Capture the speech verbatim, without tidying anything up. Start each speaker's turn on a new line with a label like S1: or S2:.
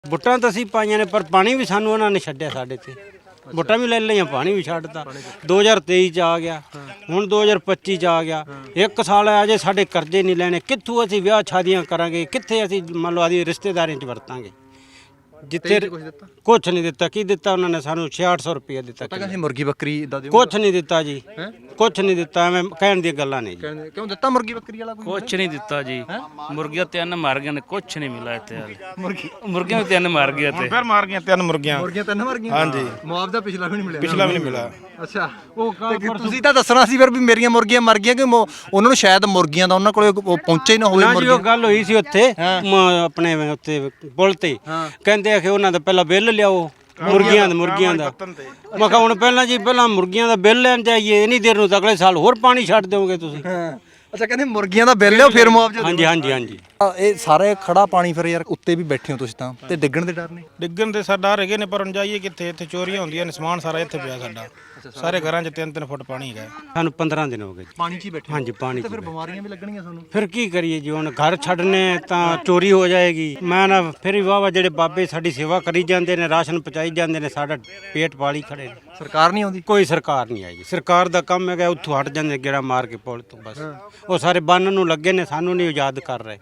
S1: ਵੋਟਾਂ ਤਾਂ ਅਸੀਂ ਪਾਈਆਂ ਨੇ ਪਰ ਪਾਣੀ ਵੀ ਸਾਨੂੰ ਉਹਨਾਂ ਨੇ ਛੱਡਿਆ ਸਾਡੇ ਤੇ। ਵੋਟਾਂ ਵੀ ਲੈ ਲਈਆਂ, ਪਾਣੀ ਵੀ ਛੱਡਤਾ। ਦੋ ਹਜ਼ਾਰ ਤੇਈ ਚ ਆ ਗਿਆ, ਹੁਣ ਦੋ ਹਜ਼ਾਰ ਪੱਚੀ ਚ ਆ ਗਿਆ। ਇੱਕ ਸਾਲ ਆ ਜੇ ਸਾਡੇ ਕਰਜ਼ੇ ਨਹੀਂ ਲੈਣੇ, ਕਿੱਥੋਂ ਅਸੀਂ ਵਿਆਹ ਸ਼ਾਦੀਆਂ ਕਰਾਂਗੇ, ਕਿੱਥੇ ਅਸੀਂ ਮੰਨ ਲਓ ਆਦੀ ਰਿਸ਼ਤੇਦਾਰੀਆਂ ਚ ਵਰਤਾਂਗੇ। ਜਿੱਥੇ ਕੁਛ ਨਹੀਂ ਦਿੱਤਾ। ਕੀ ਦਿੱਤਾ ਉਹਨਾਂ ਨੇ ਸਾਨੂੰ? ਛਿਆਹਠ ਸੌ ਰੁਪਏ ਦਿੱਤਾ।
S2: ਕਹਿੰਦੇ ਮੁਰਗੀ ਬੱਕਰੀ ਇਦਾਂ ਦੇ
S1: ਕੁਛ ਨਹੀਂ ਦਿੱਤਾ ਜੀ, ਕੁਛ ਨਹੀਂ ਦਿੱਤਾ। ਐਵੇਂ ਕਹਿਣ ਦੀਆਂ ਗੱਲਾਂ ਨੇ ਜੀ।
S2: ਕਿਉਂ ਦਿੱਤਾ ਮੁਰਗੀ ਬੱਕਰੀ ਵਾਲਾ ਕੋਈ?
S3: ਕੁਛ ਨਹੀਂ ਦਿੱਤਾ ਜੀ। ਮੁਰਗੀਆਂ ਤਿੰਨ ਮਰ ਗਈਆਂ ਨੇ, ਕੁਛ ਨਹੀਂ ਮਿਲਾ ਇੱਥੇ ਹਾਲੇ। ਮੁਰਗੀ ਮੁਰਗੀਆਂ ਵੀ ਤਿੰਨ ਮਰ ਗਈਆਂ ਤੇ
S4: ਫਿਰ ਮਾਰ ਗਈਆਂ ਤਿੰਨ ਮੁਰਗੀਆਂ।
S2: ਮੁਰਗੀਆਂ ਤਿੰਨ ਮਰ ਗਈਆਂ।
S4: ਹਾਂਜੀ,
S2: ਮੁਆਵਜ਼ਾ ਪਿਛਲਾ ਵੀ ਨਹੀਂ ਮਿਲਿਆ।
S4: ਪਿਛਲਾ ਵੀ ਨਹੀਂ ਮਿਲਾ।
S2: ਅੱਛਾ, ਉਹ ਤੁਸੀਂ ਤਾਂ ਦੱਸਣਾ ਸੀ ਫਿਰ ਵੀ ਮੇਰੀਆਂ ਮੁਰਗੀਆਂ ਮਰ ਗਈਆਂ ਕਿ ਮੋ- ਉਹਨਾਂ ਨੂੰ ਸ਼ਾਇਦ ਮੁਰਗੀਆਂ ਦਾ ਉਹਨਾਂ ਕੋਲੇ ਉਹ ਪਹੁੰਚੇ ਹੀ ਨਾ ਹੋਵੇ।
S1: ਨਾ ਜੀ, ਉਹ ਗੱਲ ਹੋਈ ਸੀ ਉੱਥੇ ਮ- ਆਪਣੇ ਉੱਥੇ ਪੁਲ ਤੇ। ਕਹਿੰਦੇ ਆ ਕਿ ਉਹਨਾਂ ਦਾ ਪਹਿਲਾਂ ਬਿੱਲ ਲਿਆਓ ਮੁਰਗੀਆਂ ਦਾ ਮੁਰਗੀਆਂ ਦਾ। ਮੈਂ ਕਿਹਾ ਹੁਣ ਪਹਿਲਾਂ ਜੀ ਪਹਿਲਾਂ ਮੁਰਗੀਆਂ ਦਾ ਬਿੱਲ ਲੈਣ ਜਾਈਏ, ਇੰਨੀ ਦੇਰ ਨੂੰ ਤਾਂ ਅਗਲੇ ਸਾਲ ਹੋਰ ਪਾਣੀ ਛੱਡ ਦਿਓਗੇ ਤੁਸੀਂ।
S2: ਅੱਛਾ, ਕਹਿੰਦੇ ਮੁਰਗੀਆਂ ਦਾ ਬਿੱਲ ਲਿਓ ਫਿਰ ਮੁਆਵਜ਼ਾ।
S1: ਹਾਂਜੀ ਹਾਂਜੀ ਹਾਂਜੀ।
S2: ਇਹ ਸਾਰੇ ਖੜਾ ਪਾਣੀ ਫਿਰ ਯਾਰ ਉੱਤੇ ਵੀ ਬੈਠੇ ਹੋ ਤੁਸੀਂ ਤਾਂ, ਤੇ ਡਿੱਗਣ ਦੇ ਡਰ ਨੇ?
S4: ਡਿੱਗਣ ਦੇ ਸਾਡਾ ਹੈਗੇ ਨੇ, ਪਰ ਹੁਣ ਜਾਈਏ ਕਿੱਥੇ? ਇੱਥੇ ਚੋਰੀਆਂ ਹੁੰਦੀਆਂ ਨੇ, ਸਮਾਨ ਸਾਰਾ ਇੱਥੇ ਪਿਆ ਸਾਡਾ। ਸਾਰੇ ਘਰਾਂ 'ਚ ਤਿੰਨ ਤਿੰਨ ਫੁੱਟ ਪਾਣੀ ਹੈਗਾ।
S1: ਸਾਨੂੰ ਪੰਦਰਾਂ ਦਿਨ ਹੋ ਗਏ ਜੀ।
S2: ਪਾਣੀ 'ਚ ਹੀ ਬੈਠੇ।
S1: ਹਾਂਜੀ, ਪਾਣੀ
S2: ਤੇ
S1: 'ਚ
S2: ਫਿਰ
S1: ਬੈਠੇ।
S2: ਬਿਮਾਰੀਆਂ ਵੀ ਲੱਗਣਗੀਆਂ ਤੁਹਾਨੂੰ।
S1: ਫਿਰ ਕੀ ਕਰੀਏ ਜੀ, ਹੁਣ ਘਰ ਛੱਡਨੇ ਤਾਂ ਚੋਰੀ ਹੋ ਜਾਏਗੀ। ਮੈਂ ਨਾ ਫਿਰ ਵੀ ਵਾਵਾ ਜਿਹੜੇ ਬਾਬੇ ਸਾਡੀ ਸੇਵਾ ਕਰੀ ਜਾਂਦੇ ਨੇ, ਰਾਸ਼ਨ ਪਹੁੰਚਾਈ ਜਾਂਦੇ ਨੇ, ਸਾਡਾ ਪੇਟ ਪਾਲੀ ਖੜੇ ਨੇ।
S2: ਸਰਕਾਰ ਨਹੀਂ ਆਉਂਦੀ?
S1: ਕੋਈ ਸਰਕਾਰ ਨਹੀਂ ਆਈ ਜੀ। ਸਰਕਾਰ ਦਾ ਕੰਮ ਹੈਗਾ ਉੱਥੋਂ ਹਟ ਜਾਂਦੇ ਗੇੜਾ ਮਾਰ ਕੇ ਪੁਲ ਤੋਂ। ਬਸ ਉਹ ਸਾਰੇ ਬੰਨ ਨੂੰ ਲੱਗੇ ਨੇ, ਸਾਨੂੰ ਨਹੀਂ ਆਜ਼ਾਦ ਕਰ ਰਹੇ।